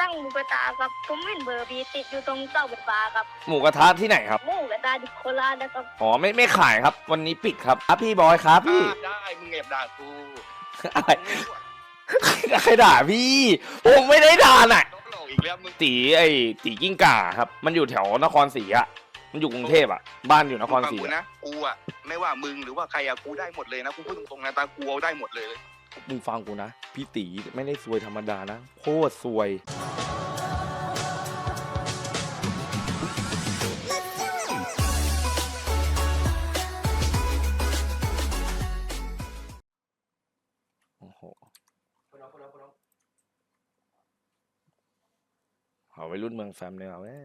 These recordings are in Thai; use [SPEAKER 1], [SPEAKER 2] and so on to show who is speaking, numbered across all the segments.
[SPEAKER 1] ตั้งหมูกระทะครับผมเห็นเบอร์บีติดอยู่ตรงเสาไฟฟ้าครับ
[SPEAKER 2] หมูกระทะที่ไหนครับ
[SPEAKER 1] หมูกระทะที่โคราชนะครับ
[SPEAKER 2] อ๋อไม่ขายครับวันนี้ปิดครับพี่บอยครับพี่
[SPEAKER 3] ได้มึงแอบด่ากู
[SPEAKER 2] อะไรใครด่าพี่ผมไม่ได้ด่าน่ะ
[SPEAKER 3] ต้องหลอกอีกแล้วมึง
[SPEAKER 2] ตีกิ้งก่าครับมันอยู่แถวนครศรีอะมันอยู่กรุงเทพอะบ้านอยู่นครศรี
[SPEAKER 3] ฟังกูนะกูอะไม่ว่ามึงหรือว่าใครอะกูได้หมดเลยนะกูพูดตรงๆนะตากูเอาได้หมดเลย
[SPEAKER 2] มึงฟังกูนะพี่ตีไม่ได้ซวยธรรมดานะโคตรซวยโอ้โหเอาวัยรุ่นเมืองแฟมเลยเอาเว้ย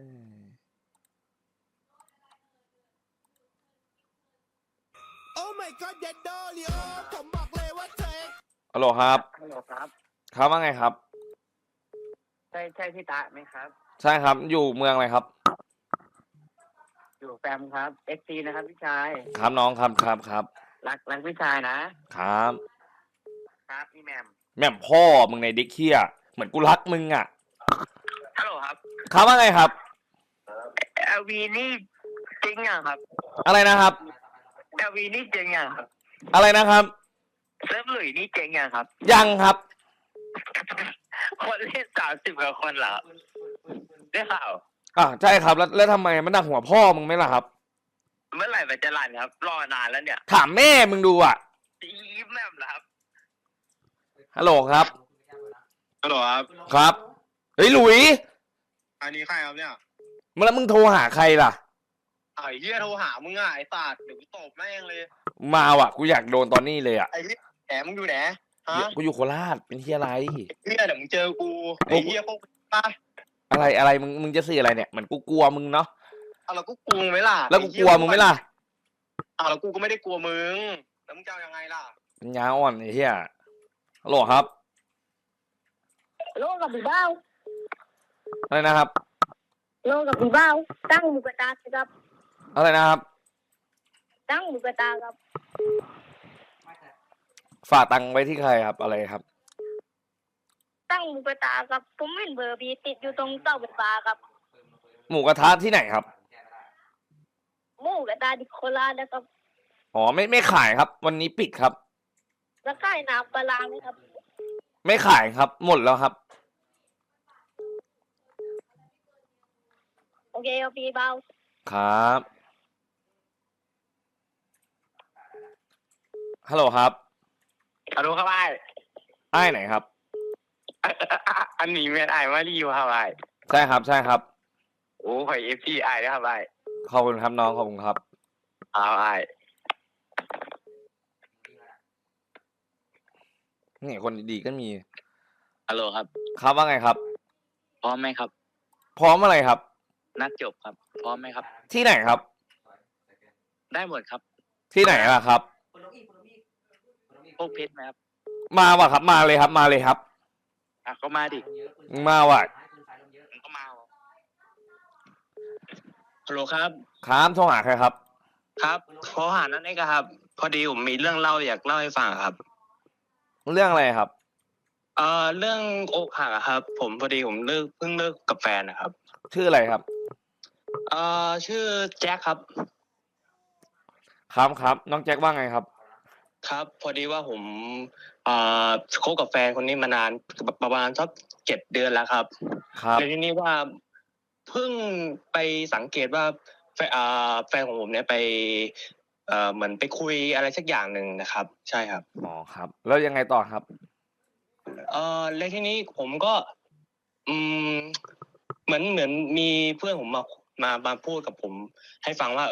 [SPEAKER 4] Oh my god เด็ดโดลิโอผมบอกเลยว่าเธอ
[SPEAKER 2] ฮัลโหลครับ
[SPEAKER 5] ฮัลโหลครับ
[SPEAKER 2] ครับว่าไงครับ
[SPEAKER 5] ใช่พี่ตะไหมครับ
[SPEAKER 2] ใช่ครับอยู่เมืองอะไรครับ
[SPEAKER 5] อยู่แฟมครับ XC นะครับพี่ชาย
[SPEAKER 2] ครับน้องครับ
[SPEAKER 5] รักพี่ชายนะครับ ครับพี่แหมม
[SPEAKER 2] แม่มพ่อมึงในเด็กเคียเหมือนกูรักมึงอ่ะ
[SPEAKER 5] ฮัลโหลครับ
[SPEAKER 2] ครับว่าไงครับ
[SPEAKER 5] LV นี่จริงอ่ะครับ
[SPEAKER 2] อะไรนะครับ
[SPEAKER 5] LV นี่จริงอ่ะครับ
[SPEAKER 2] อะไรนะครับ
[SPEAKER 5] เซิร์ฟหลุยนี่จริงอ่ะครับ
[SPEAKER 2] ยังครับ
[SPEAKER 5] คนเล่น30กว่าคนเหรอได้ข่าว
[SPEAKER 2] ใช่ครับแล้วทำไมมันหนักหัวพ่อมึงไหมล่ะครับ
[SPEAKER 5] เมื่อไหร่มันจะรันครับ รอนานแล้วเนี่ย
[SPEAKER 2] ถามแม่มึงดูอ่ะ
[SPEAKER 5] อีแหมมเหรอครับ
[SPEAKER 2] ฮัลโหลครับ
[SPEAKER 3] ฮัลโหลครับ
[SPEAKER 2] ครับเฮ้ยหลุย
[SPEAKER 3] อันนี้ใครครับเนี่ย
[SPEAKER 2] แล้วมึงโทรหาใครล่ะ
[SPEAKER 3] ไอ้เหี้ยโทรหามึงอ่ะไอ้สัตว์เดี๋ยวกูตบแม่งเลย
[SPEAKER 2] มาว่ะกูอยากโดนตอนนี้เลยอ่ะ
[SPEAKER 3] ไอ้เหี้ยแหมมึงอยู่ไหนฮะ
[SPEAKER 2] กูอยู่โคราชเป็นเฮียอะไร
[SPEAKER 3] เหี้ยเดี๋ยวมึงเจอกูไอ้เหี้ยพวกป้า
[SPEAKER 2] อะไรมึงจะสื่ออะไรเนี่ยเหมือนกูกลัวมึงเนาะ
[SPEAKER 3] เอาแล้วกูกลัวมึงไหมล่ะ
[SPEAKER 2] แล้วกูกลัวมึงไหมล่ะ
[SPEAKER 3] เอาแล้วกูก็ไม่ได้กลัวมึงแล้วมึงจะเอายังไงล่ะ
[SPEAKER 2] ปัญญาอ่อนไอ้เฮียฮัลโหลครับ
[SPEAKER 1] โลกับพี่เบ้า
[SPEAKER 2] อะไรนะครับ
[SPEAKER 1] โลกับพี่เบ้าตั้งหมูกระทะครับ
[SPEAKER 2] อะไรนะครับ
[SPEAKER 1] ตั้งหมูกระทะครับ
[SPEAKER 2] ฝากตังค์ไว้ที่ใครครับอะไรครับ
[SPEAKER 1] ตั้งหมูกระทะครับผมเห็นเบอร์บีติดอยู่ตรงเสาไฟฟ้าครับ
[SPEAKER 2] หมูกระทะที่ไหนครับ
[SPEAKER 1] หมูกระทะที่โคราชนะครับ
[SPEAKER 2] อ๋อไม่ขายครับ วันนี้ปิดครับ
[SPEAKER 1] แล้วก็น้ำปลาร้าไหมครับ
[SPEAKER 2] ไม่ขายครับ หมดแล้วครับ
[SPEAKER 1] โอเคครับพี่เบ้า
[SPEAKER 2] ครับฮัลโหลครับ
[SPEAKER 5] ฮัลโหลครับไอ้
[SPEAKER 2] อ้ายไหนครับ
[SPEAKER 5] อันนี้เมียนไอ้มารีอยู่ครับไอ้
[SPEAKER 2] ใช่ครับ
[SPEAKER 5] โอ้ย FC ไอ้นะครับไอ้
[SPEAKER 2] ขอบคุณครับน้องขอบคุณครับ
[SPEAKER 5] เอาไอ้
[SPEAKER 2] นี่คนดีๆก็มี
[SPEAKER 5] ฮัลโหลครับ
[SPEAKER 2] ครับว่าไงครับ
[SPEAKER 5] พร้อมไหมครับ
[SPEAKER 2] พร้อมอะไรครับ
[SPEAKER 5] นัดจบครับ พร้อมไหมครับ
[SPEAKER 2] ที่ไหนครับ
[SPEAKER 5] ได้หมดครับ
[SPEAKER 2] ที่ไหนล่ะครับ
[SPEAKER 5] พวกเพชรไหมครับ
[SPEAKER 2] มาว่ะครับมาเลยครับมาเลยครับ
[SPEAKER 5] ก็มาดิ
[SPEAKER 2] มาว่ะ
[SPEAKER 5] มันก็มาฮัลโหลครับ
[SPEAKER 2] ครับโทรหาใครครับ
[SPEAKER 5] ครับขอหานั่นเองครับ พอดีผมมีเรื่องเล่าอยากเล่าให้ฟังครับ
[SPEAKER 2] เรื่องอะไรครับ
[SPEAKER 5] เรื่องอกหักอะครับ ผมพอดีผมเพิ่งเลิกกับแฟนนะครับ
[SPEAKER 2] ชื่ออะไรครับ
[SPEAKER 5] ชื่อแจ็คครับ
[SPEAKER 2] ครับน้องแจ็คว่าไงครับ
[SPEAKER 5] ครับ พอดีว่าผมคบกับแฟนคนนี้มานานประมาณสัก7 เดือนแล้วครับ
[SPEAKER 2] ครับ
[SPEAKER 5] ในที่นี้ว่าเพิ่งไปสังเกตว่าแฟนของผมเนี่ยไปเหมือนไปคุยอะไรสักอย่างหนึ่งนะครับ ใช่ครับ
[SPEAKER 2] อ๋อครับ แล้วยังไงต่อครับ
[SPEAKER 5] แล้วทีนี้ผมก็ เหมือนมีเพื่อนผมมาพูดกับผม ให้ฟังว่า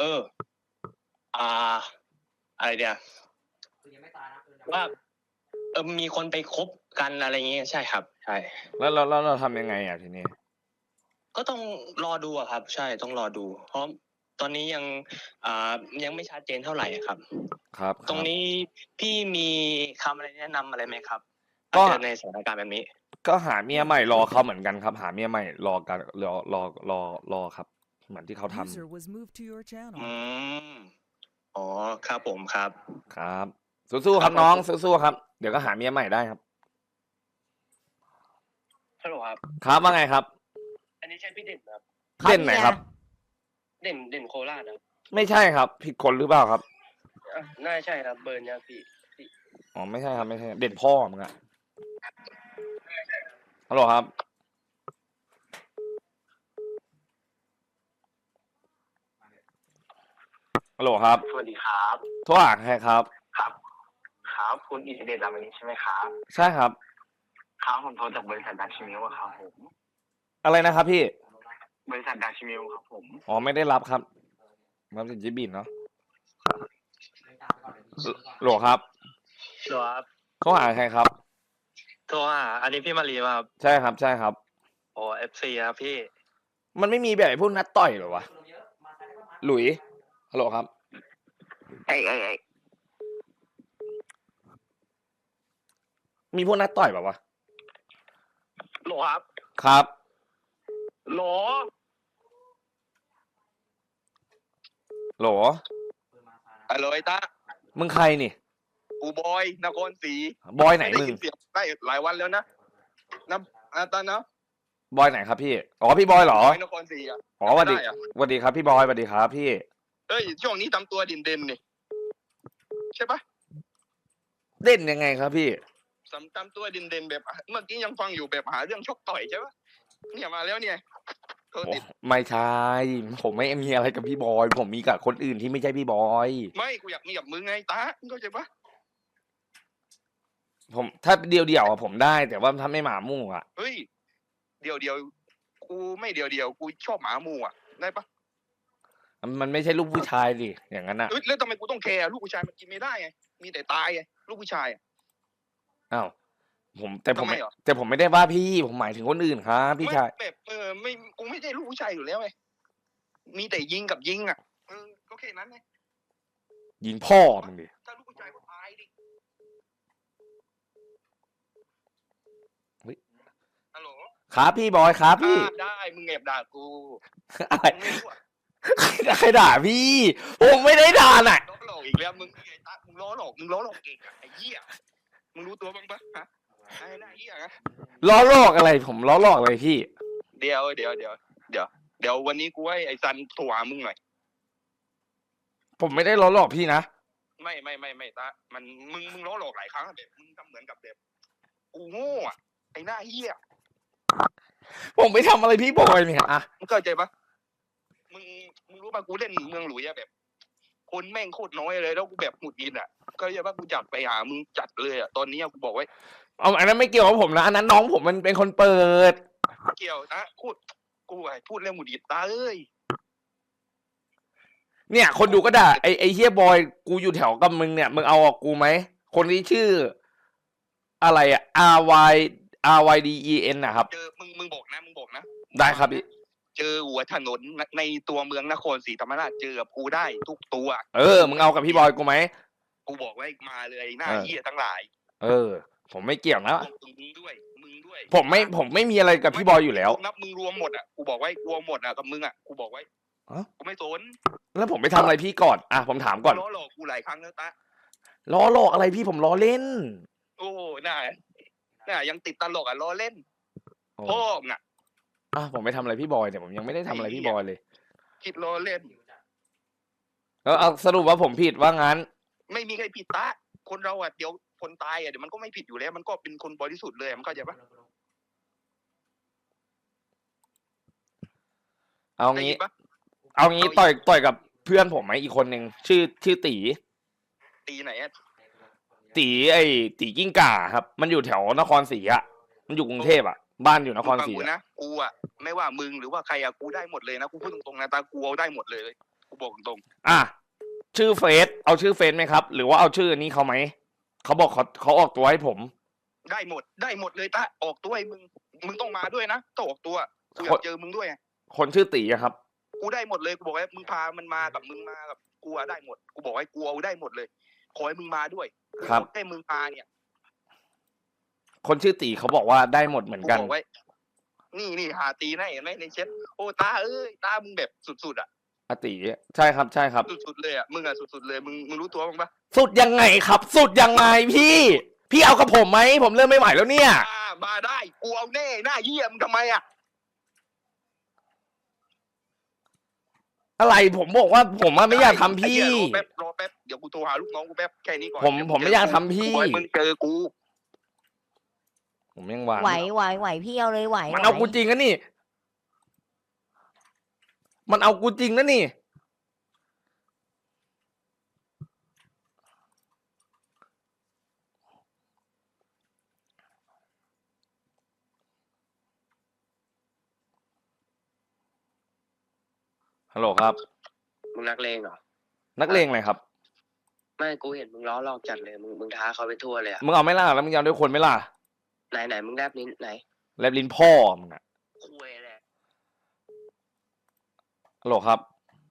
[SPEAKER 5] อะไรเดียวว่ามีคนไปคบกันอะไรอย่างเงี้ยใช่ครับ ใช่
[SPEAKER 2] แล้วเราทำยังไงอ่ะทีนี้
[SPEAKER 5] ก็ต้องรอดูอะครับ ใช่ต้องรอดู เพราะตอนนี้ยังไม่ชัดเจนเท่าไหร่ครับ
[SPEAKER 2] ครับ
[SPEAKER 5] ตรงนี้พี่มีคำอะไรแนะนำอะไรไหมครับ
[SPEAKER 2] ก็
[SPEAKER 5] เจอในสถานการณ์แบบนี้
[SPEAKER 2] ก็หาเมียใหม่รอเขาเหมือนกันครับ หาเมียใหม่รอกันรอครับ เหมือนที่เขาทำ
[SPEAKER 4] User was moved to your channel
[SPEAKER 5] อ๋อครับผมครับ
[SPEAKER 2] ครับสู้ๆครับน้องสู้ๆครับ เดี๋ยวก็หาเมียใหม่ได้ครับ
[SPEAKER 5] ฮัลโหลครับ
[SPEAKER 2] ครับว่าไงครับ
[SPEAKER 5] อันนี้ใช่พี่เด่นครับ
[SPEAKER 2] เด่นไหนครับ
[SPEAKER 5] เด่นโคราชครับ
[SPEAKER 2] ไม่ใช่ครับ ผิดคนหรือเปล่าครับ
[SPEAKER 5] น่าใช่ครับเบิร์นยังพี่
[SPEAKER 2] อ๋อไม่ใช่ครับไม่ใช่ เด่นพ่อมึงอะฮัลโหลครับฮัลโหลครับ
[SPEAKER 6] สวัสดีครับ
[SPEAKER 2] โทรหาใครครับ
[SPEAKER 6] ครับ ครับคุณอิสเดชรามานิใช่ไหมครับ
[SPEAKER 2] ใช่ครับ
[SPEAKER 6] ครับผมโทรจากบริษัทดัชมิลครับผม
[SPEAKER 2] อะไรนะครับพี่
[SPEAKER 6] บริษัทดัชมิลครับผม
[SPEAKER 2] อ๋อไม่ได้รับครับรับจากจิบินเนาะโหลครับ
[SPEAKER 5] ครับ
[SPEAKER 2] โทรหาใครครับ
[SPEAKER 5] โทรหาอันนี้พี่มารีมาครับ
[SPEAKER 2] ใช่ครับใช่ครับ
[SPEAKER 5] โอ้เอฟซีครับพี่
[SPEAKER 2] มันไม่มีแบบไอ้พวกนัดต่อยเหรอวะหลุยฮัลโหลครับ
[SPEAKER 6] ไอ้
[SPEAKER 2] มีพวกนัดต่อยแบบวะ
[SPEAKER 5] โหลครับ
[SPEAKER 2] ครับ
[SPEAKER 5] โหล
[SPEAKER 2] โหล
[SPEAKER 3] ฮัลโหลไอ้ตา
[SPEAKER 2] มึงใครนี่
[SPEAKER 3] กูบอยนครศรี
[SPEAKER 2] บอยไหน
[SPEAKER 3] ไม่ได้
[SPEAKER 2] มึง
[SPEAKER 3] ยินเสียงได้หลายวันแล้วนะตานะ
[SPEAKER 2] บอยไหนครับพี่อ๋อพี่บอยเหรอ
[SPEAKER 3] บอยนครศรีอ่ะ
[SPEAKER 2] อ๋อสวัสดี
[SPEAKER 3] ได้อะ
[SPEAKER 2] สวัสดีครับพี่บอยสวัสดีครับพี่
[SPEAKER 3] เฮ้ยช่วงนี้ทำตัวเด่นๆนี่ใช่ปะ
[SPEAKER 2] เล่นยังไงครับพี่
[SPEAKER 3] ทำตัวเด่นๆแบบเมื่อกี้ยังฟังอยู่แบบหาเรื่องชกต่อยใช่ปะเนี่ยมาแล้วเนี่ยโทร
[SPEAKER 2] โอ้
[SPEAKER 3] ติด
[SPEAKER 2] ไม่ใช่ ผมไม่มีอะไรกับพี่บอย ผมมีกับคนอื่นที่ไม่ใช่พี่บอย
[SPEAKER 3] ไม่กูอยากมีกับมึงไงตามึงเข้าใจปะ
[SPEAKER 2] ผมถ้าเดียวๆอะผมได้ แต่ว่าถ้าไม่หมามู่อะ
[SPEAKER 3] เฮ้ยเดียวกูไม่เดียวกูชอบหมาหมู่อ่ะได้ปะ
[SPEAKER 2] มันไม่ใช่ลูกผู้ชายดิอย่างนั้นอะ
[SPEAKER 3] เฮ้ยแล้วทำไมกูต้องแคร์ลูกผู้ชายมันกินไม่ได้ไงมีแต่ตายไงลูกผู้ชายอะ
[SPEAKER 2] อ้าวแต่ผม
[SPEAKER 3] ทำไม
[SPEAKER 2] ไม่
[SPEAKER 3] เหรอ
[SPEAKER 2] แต่ผมไม่ได้ว่าพี่ ผมหมายถึงคนอื่นครับพี่ชาย
[SPEAKER 3] ไม่แบบไม่กูไม่ใช่ลูกผู้ชายอยู่แล้วไงมีแต่ยิงกับยิงอ่ะก็แค่นั้นไง
[SPEAKER 2] ยิงพ่อมึงดิ
[SPEAKER 3] ถ้าลูกผู้ชายก็ตายดิ
[SPEAKER 2] เฮ้ย
[SPEAKER 3] ฮัลโหล
[SPEAKER 2] ครับพี่บอยครับพี่
[SPEAKER 3] ได้มึงแอบด่ากู
[SPEAKER 2] อะไร
[SPEAKER 3] มึงไม่รู้อะ
[SPEAKER 2] ใครด่าพี่ ผมไม่ได้ด่าน่ะ
[SPEAKER 3] ล้อหลอกอีกแล้วมึงไอ้ตามึงล้อหลอกเก่งอะไอ้เหี้ยมึงรู้ตัวบ้างปะฮะไอ้หน้าเหี้ยนะ
[SPEAKER 2] ล้อลอกอะไร ผมล้อลอกอะไรพี่
[SPEAKER 3] เดี๋ยววันนี้กูให้ไอ้ซันโทรหามึงหน่อย
[SPEAKER 2] ผมไม่ได้ล้อลอกพี่นะ
[SPEAKER 3] ไม่ตามันมึงล้อหลอกหลายครั้งอะแบบมึงทำเหมือนกับแบบกูโง่อะไอ้หน้าเหี้ย
[SPEAKER 2] ผมไม่ทำอะไรพี่บอยเนี่ยอะ
[SPEAKER 3] มึงเข้าใจปะมึงรู้ปะกูเล่นเมืองหลุยอะแบบ คนแม่งโคตรน้อยเลยแล้วกูแบบหงุดหงิดอะก็เลยว่ากูจัดไปหามึงจัดเลยอะตอนนี้อะกูบอกไว้
[SPEAKER 2] เอาอันนั้นไม่เกี่ยวกับผมนะ อันนั้นน้องผมมันเป็นคนเปิด
[SPEAKER 3] เกี่ยวนะกูไอ้พูดเรื่องหงุดหงิดตาเอ้ย
[SPEAKER 2] เนี่ย คนดูก็ด่าไอเฮียบอยกูอยู่แถวกับมึงเนี่ยมึงเอาออกกูไหมคนที่ชื่อ อะไรอะ RYDEN นะครับ
[SPEAKER 3] เจอมึงบอกนะ
[SPEAKER 2] ได้ครับพี่
[SPEAKER 3] เจอหัวถนนในตัวเมืองนครศรีธรรมราชเจอกับกูได้ทุกตัว
[SPEAKER 2] มึงเอากับพี่บอยกูไหม
[SPEAKER 3] กูบอกไว้มาเลยหน้า
[SPEAKER 2] เออ
[SPEAKER 3] เหี้ยทั้งหลาย
[SPEAKER 2] ผมไม่เกี่ยวนะ
[SPEAKER 3] มึงด้วย
[SPEAKER 2] ผมไม่มีอะไรกับพี่บอยอยู่แล้ว
[SPEAKER 3] นับมึงรวมหมดอะกูบอกไว้รวมหมดอะกับมึงอะกูบอกไว้
[SPEAKER 2] อ๋อ
[SPEAKER 3] กูไม่สน
[SPEAKER 2] แล้วผมไปทำอะไรพี่ก่อนอ่ะผมถามก่อน
[SPEAKER 3] ล้อหลอกกูหลายครั้งแล้วตา
[SPEAKER 2] ล้อลอกอะไรพี่ผมล้อเล่น
[SPEAKER 3] โอ้น่ายังติดตลกอ่ะล้อเล่น
[SPEAKER 2] โอ้
[SPEAKER 3] พ่อมึงอ่ะ
[SPEAKER 2] ผมไปทำอะไรพี่บอยเนี่ยผมยังไม่ได้ทำอะไรพี่บอยเลย
[SPEAKER 3] คิดล้อเล่น
[SPEAKER 2] แล้วเอาสรุปว่าผมผิดว่างั้น
[SPEAKER 3] ไม่มีใครผิดตาคนเราอ่ะเดี๋ยวคนตายอ่ะเดี๋ยวมันก็ไม่ผิดอยู่แล้ว มันก็เป็นคนบริสุทธิ์เลยมันเข้าใจปะ
[SPEAKER 2] เอา
[SPEAKER 3] ได้
[SPEAKER 2] งี้
[SPEAKER 3] ยินปะ
[SPEAKER 2] เอางี้ต่อยกับเพื่อนผมไหมอีกคนหนึ่งชื่อตี
[SPEAKER 3] ตีไหนอ่ะ
[SPEAKER 2] ตีกิ้งก่าครับ มันอยู่แถวนครศรีอะมันอยู่กรุงเทพอะบ้านอยู่นครศรี
[SPEAKER 3] มึงฟังกู
[SPEAKER 2] อะ
[SPEAKER 3] นะกูอ่ะไม่ว่ามึงหรือว่าใครอ่ะกูได้หมดเลยนะกูพูดตรงๆนะตากูเอาได้หมดเลยกูบอกตรง
[SPEAKER 2] ชื่อเฟซเอาชื่อเฟซไหมครับ หรือว่าเอาชื่อนี้เขาไหมเขาบอกเขาออกตัวให้ผม
[SPEAKER 3] ๆได้หมดเลยตาออกตัวให้มึงต้องมาด้วยนะต้องออกตัวกูอยากเจอมึงด้วยไง
[SPEAKER 2] คนชื่อตีอะครับ
[SPEAKER 3] กูได้หมดเลยกูบอกให้มึงพามันมากับมึงมากับกูอะได้หมดกูบอกให้กูเอาได้หมดเลยขอให้มึงมาด้วย
[SPEAKER 2] ครับ
[SPEAKER 3] ให้มึงมาเนี่ย
[SPEAKER 2] คนชื่อตีเขาบอกว่าได้หมดเหมือน
[SPEAKER 3] กู
[SPEAKER 2] กัน
[SPEAKER 3] บอกไว้ นี่หาตีนะเห็นไหมในเช็ดโอ้ตาเอ้ยตามึงแบบสุดๆอ่ะ
[SPEAKER 2] อาตีใช่ครับ
[SPEAKER 3] สุดๆเลยอ่ะมึงอ่ะสุดๆเลยมึงรู้ตัวบ้างปะ
[SPEAKER 2] สุดยังไงครับ สุดยังไงพี่เอากับผมไหมผมเริ่มไม่ไหวแล้วเนี่ย
[SPEAKER 3] มมาได้กูเอาแน่หน้าเยี่ยมงทำไมอ่ะ
[SPEAKER 2] อะไรผมบอกว่าผมอะไม่อยากทำพี่
[SPEAKER 3] ไอ้เหี้ยรอแป๊บเดี๋ยวกูโทรหาลูกน้องกูแป๊บแค่นี้ก่อน
[SPEAKER 2] ผมไม่อยากทำพี่
[SPEAKER 3] กูให้มึงเจอกู
[SPEAKER 2] ผมยังวาง
[SPEAKER 7] ไหวพี่เอาเลยไหว
[SPEAKER 2] มันเอากูจริงนะนี่ มันเอากูจริงนะนี่ฮัลโหลครับ
[SPEAKER 5] มึงนักเลงเหรอ
[SPEAKER 2] นักเลงอะไรครับ
[SPEAKER 5] ไม่กูเห็นมึงล้อหลอกจัดเลยมึงท้าเขาไปทั่วเลยอะ
[SPEAKER 2] มึงเอาไม่ล่ะแล้วมึงยอมด้วยคนไหม่ล่ะ
[SPEAKER 5] ไหนมึงแลบลิ้นไหน
[SPEAKER 2] แลบลิ้นพ่อมึงอะ
[SPEAKER 5] คุยแหละ
[SPEAKER 2] ฮัลโหลครับ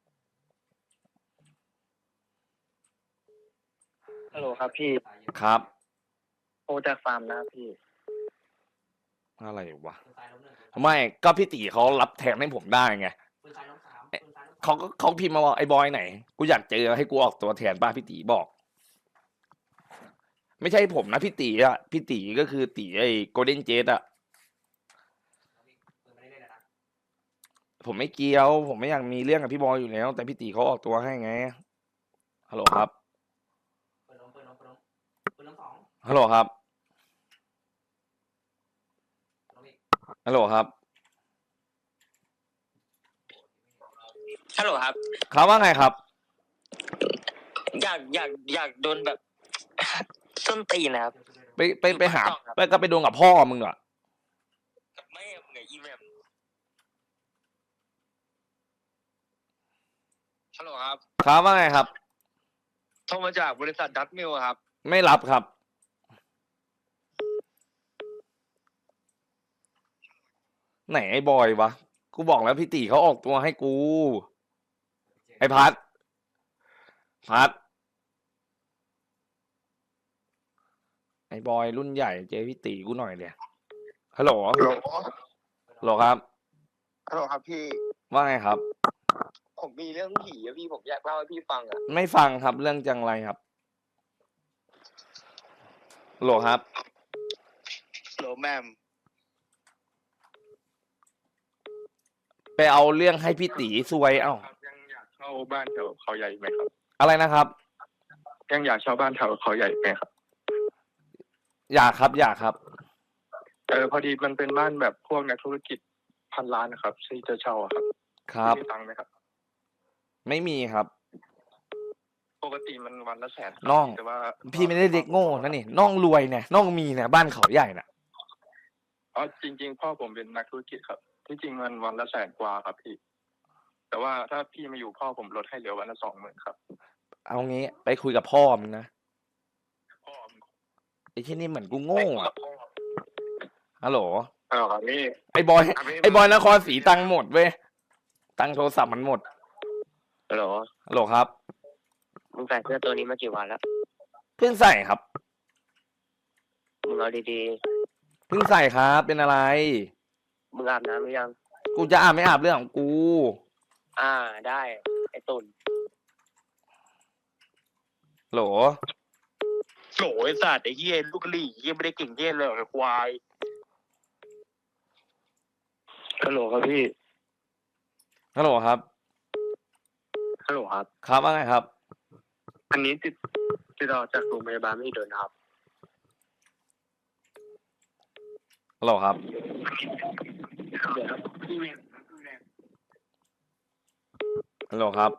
[SPEAKER 6] ฮัลโหลครับพี่
[SPEAKER 2] ครับ
[SPEAKER 6] โทรจากฟาร์มนะพี่
[SPEAKER 2] อะไรวะไม่ก็พี่ตีเขารับแทนให้ผมได้ไงเขาพิมพ์มาบอกไอ้บอยไหนกูอยากเจอให้กูออกตัวแทนป้าพี่ตีบอก ไม่ใช่ผมนะพี่ตีอ่ะพี่ตีก็คือตีไอ้โกลเด้นเจตอ่ะผมไม่เกี่ยว ผมไม่อยากมีเรื่องกับพี่บอยอยู่แล้ว แต่พี่ตีเขาออกตัวให้ไงฮัลโหลครับฮัลโหลครับฮัลโหลครับ
[SPEAKER 5] ฮัลโหลครับ
[SPEAKER 2] ครับว่าไงครับ
[SPEAKER 5] อยากโดนแบบ ส้นตีนนะครับ
[SPEAKER 2] ไปหาไปโดนกับพ่อมึงเหรอ
[SPEAKER 5] กับแม่มึงไงอีแมม
[SPEAKER 3] ฮัลโหลครับ
[SPEAKER 2] ครับว่าไงครับ
[SPEAKER 3] โทรมาจากบริษัทดัตมิลครับ
[SPEAKER 2] ไม่รับครับ ไหนไอ้บอยวะ กูบอกแล้วพี่ตีเขาออกตัวให้กู ไอ้พัดไอ้บอยรุ่นใหญ่เจอพี่ตีกูหน่อยเดียฮัลโหล
[SPEAKER 3] ฮัลโหล
[SPEAKER 2] ฮัลโหลครับ
[SPEAKER 3] ฮัลโหลครับพี่
[SPEAKER 2] ว่าไงครับ
[SPEAKER 3] ผมมีเรื่องผีอะพี่ผมอยากเล่าให้พี่ฟังอะ
[SPEAKER 2] ไม่ฟังครับเรื่องจังไรครับฮัลโหลครับ
[SPEAKER 3] ฮัลโหลแมม
[SPEAKER 2] ไปเอาเรื่องให้พี่ตีซวยเอ้า
[SPEAKER 3] ยังอยากเช่าบ้านแถวเขาใหญ่ไหมครับ
[SPEAKER 2] อะไรนะครับ
[SPEAKER 3] ยังอยากเช่าบ้านแถวเขาใหญ่ไหมครับ
[SPEAKER 2] อยากครับ
[SPEAKER 3] พอดีมันเป็นบ้านแบบพวกนักธุรกิจพันล้านนะครับที่จะเช่าอะครับ
[SPEAKER 2] ครับ
[SPEAKER 3] มีตังค์ไหมครับ
[SPEAKER 2] ไม่มีครับ
[SPEAKER 3] ปกติมันวันละแสน
[SPEAKER 2] น้อง
[SPEAKER 3] แต่ว่า
[SPEAKER 2] พี่ไม่ได้เด็กโง่นะนี่น้องรวยเนี่ยน้องมีเนี่ยบ้านเขาใหญ่น่ะ
[SPEAKER 3] อ๋อจริง ๆ พ่อผมเป็นนักธุรกิจครับ ที่จริงมันวันละแสนกว่าครับพี่ แต่ว่าถ้าพี่มาอยู่พ่อผมลดให้เหลือวันละ20,000ครับ
[SPEAKER 2] เอางี้ไปคุยกับพ่อมึงนะ
[SPEAKER 3] พ่อมึง
[SPEAKER 2] ไอ้ที่นี่เหมือนกูโง่อะฮัลโหล
[SPEAKER 3] ครับนี่
[SPEAKER 2] ไอ้บอยนครศรีตังค์หมดเว้ยตังค์โทรศัพท์มันหมด
[SPEAKER 5] ฮัลโหล
[SPEAKER 2] ฮัลโหลครับ
[SPEAKER 5] มึงใส่เสื้อตัวนี้มากี่วันแล้ว
[SPEAKER 2] เพิ่งใส่ครับ
[SPEAKER 5] มึงเอาดี
[SPEAKER 2] เพิ่งใส่ครับ เป็นอะไร
[SPEAKER 5] ๆมึงอาบน้ำหรือยัง
[SPEAKER 2] กูจะอาบไม่อาบเรื่องของกู
[SPEAKER 5] ได้ไอ้ตุ่น
[SPEAKER 2] โหล
[SPEAKER 3] โหไอ้สัตว์ไอ้เหี้ยลูกกะหรี่เหี้ยไม่ได้เก่งเหี้ยเลยไอ้ควายฮัลโหลครับพี่
[SPEAKER 2] ฮัลโหลครับ
[SPEAKER 3] ฮัลโหลครับ
[SPEAKER 2] ครับว่าไงครับ
[SPEAKER 3] อันนี้ติดต่อจากโรงพยาบาลไม่โดนครับ
[SPEAKER 2] ฮัลโหลครับ ฮัลโหลครับ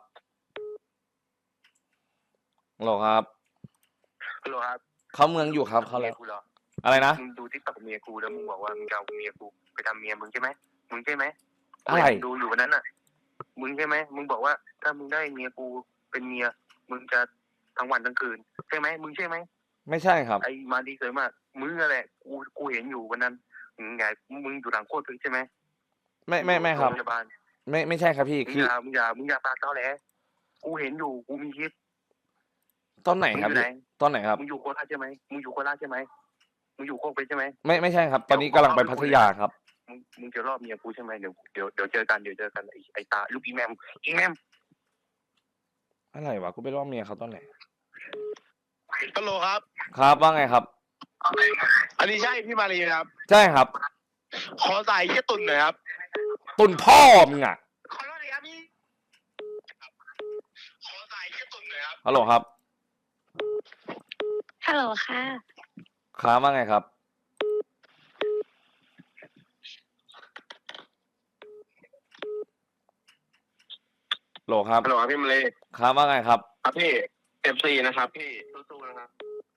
[SPEAKER 2] ฮัลโหลครับ
[SPEAKER 3] ฮัลโหลครับ
[SPEAKER 2] เขาเมืองอยู่ครับเขา
[SPEAKER 3] เมี
[SPEAKER 2] แล้
[SPEAKER 3] ยว กูเหรอ
[SPEAKER 2] อะไรนะ
[SPEAKER 3] มึงดูทิกตอกเมียกูแล้วมึงบอกว่ามึงจะเอาเมียกูไปทำเมียมึงใช่ไหมมึงใช่ไหม
[SPEAKER 2] อะไร
[SPEAKER 3] ดูอยู่วันนั้นน่ะ มึงใช่ไหมมึงบอกว่าถ้ามึงได้เมียกูเป็นเมียมึงจะทั้งวันทั้งคืนใช่ไหมมึงใช่ไหม
[SPEAKER 2] ไม่ใช่ครับ
[SPEAKER 3] ไอ้มาดีเคยมากมึงอะไรกูเห็นอยู่วันนั้นมึงไงมึงอยู่หลังโคตรพึกใช่ไหม
[SPEAKER 2] ไม่ครับ
[SPEAKER 3] โงพยาบาล
[SPEAKER 2] ไม่ใช่ครับพี่
[SPEAKER 3] มึง
[SPEAKER 2] คือ
[SPEAKER 3] อย่าปากตอแหลกูเห็นอยู่กูมีคลิป
[SPEAKER 2] ตอนไหน
[SPEAKER 3] มึง
[SPEAKER 2] ค
[SPEAKER 3] อ
[SPEAKER 2] รับ
[SPEAKER 3] ยู่ไหน
[SPEAKER 2] ตอนไหนครับ
[SPEAKER 3] มึงอยู่โคราชใช่ไหมมึงอยู่โคราชใช่ไหมมึงอยู่โคกไปใช่ไหม
[SPEAKER 2] ไม่ใช่ครับ ตอนนี้กำลังไปพัทยาครับ
[SPEAKER 3] มึงจะรอบเมียกูใช่ไหมเดี๋ยวเจอกันไอ้ตาลูกอีแมม
[SPEAKER 2] อะไรวะกูไปร่วมเมียเขาตอนไหน
[SPEAKER 3] ฮัลโหลครับ
[SPEAKER 2] ครับว่าไงครับ
[SPEAKER 3] อันนี้ใช่พี่มารีครับ
[SPEAKER 2] ใช่ครับ
[SPEAKER 3] ขอสายแค่ตุ่นหน่อยครับ
[SPEAKER 2] ตุนพ่อมึงอ่ะ
[SPEAKER 3] ขอโทษนะครับพี่ขอสายแค่ตุ่นหน่อยครับ
[SPEAKER 2] ฮัลโหลครับ
[SPEAKER 1] ฮัลโหลค่ะ
[SPEAKER 2] ค้าว่าไงครับโหลครับ
[SPEAKER 3] ฮัลโหลครับพี่มารี
[SPEAKER 2] ค้าว่าไงครับ
[SPEAKER 3] ครับพี่ FC นะครับพี่สู้ๆนะครับ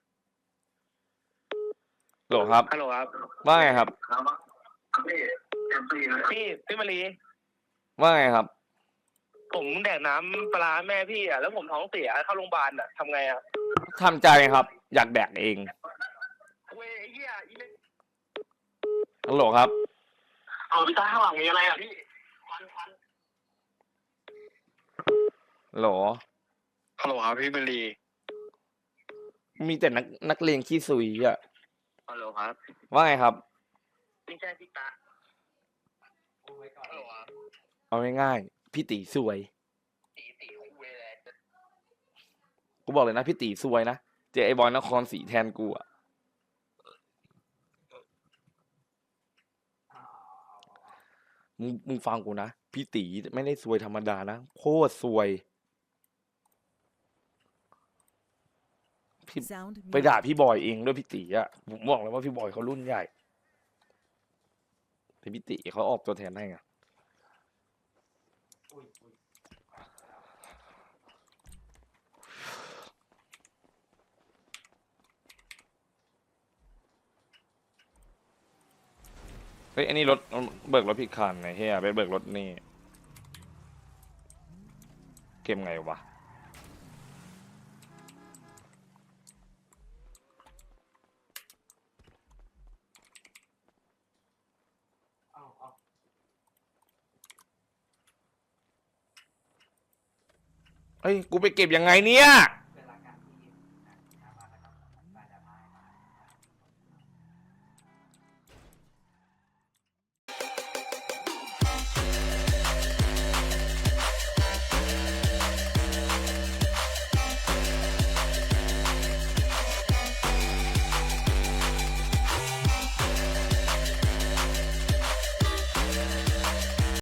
[SPEAKER 2] โหลครับ
[SPEAKER 3] ฮัลโหลครับ
[SPEAKER 2] ว่าไงครับ
[SPEAKER 3] พี่ FC นะพี่มารี
[SPEAKER 2] ว่าไงครับ
[SPEAKER 3] ผมแดกน้ำปลาแม่พี่อ่ะแล้วผมท้องเสียเข้าโรงพยาบาลอ่ะทำไงอ่ะ
[SPEAKER 2] ทำใจครับ อยากแดกเอง
[SPEAKER 3] เว้ยไอ้เหี้ยอีเล็ก
[SPEAKER 2] ฮัลโหลครับ
[SPEAKER 3] เอาพี่ตาข้างหลังมีอะไรอ่ะพี่ควัน
[SPEAKER 2] ฮัลโหล
[SPEAKER 3] ฮัลโหลครับพี่มารี
[SPEAKER 2] มีแต่นักเลงขี้ซุยอ่ะ
[SPEAKER 3] ฮัลโหลครับ
[SPEAKER 2] ว่าไงครับ
[SPEAKER 3] ไม่ใช่พี่ตาฮัลโหลครับ
[SPEAKER 2] เอาง่ายๆพี่ตีซวย
[SPEAKER 3] ตีของเวล
[SPEAKER 2] กูบอกเลยนะพี่ตีซวยนะเจอไอ้บอยนครศรีแทนกูอ่ะมึงฟังกูนะพี่ตีไม่ได้ซวยธรรมดานะโคตรซวยพี่
[SPEAKER 7] Sound
[SPEAKER 2] ไปด่าพี่บอยเองด้วยพี่ตีอ่ะผมบอกเลยว่าพี่บอยเขารุ่นใหญ่แต่พี่ตีเขาออกตัวแทนให้ไงเฮ้ยอันนี้รถเบิกรถผิดคันไงเฮียไปเบิกรถนี่เกมไงวะเฮ้ยกูไปเก็บยังไงเนี่ย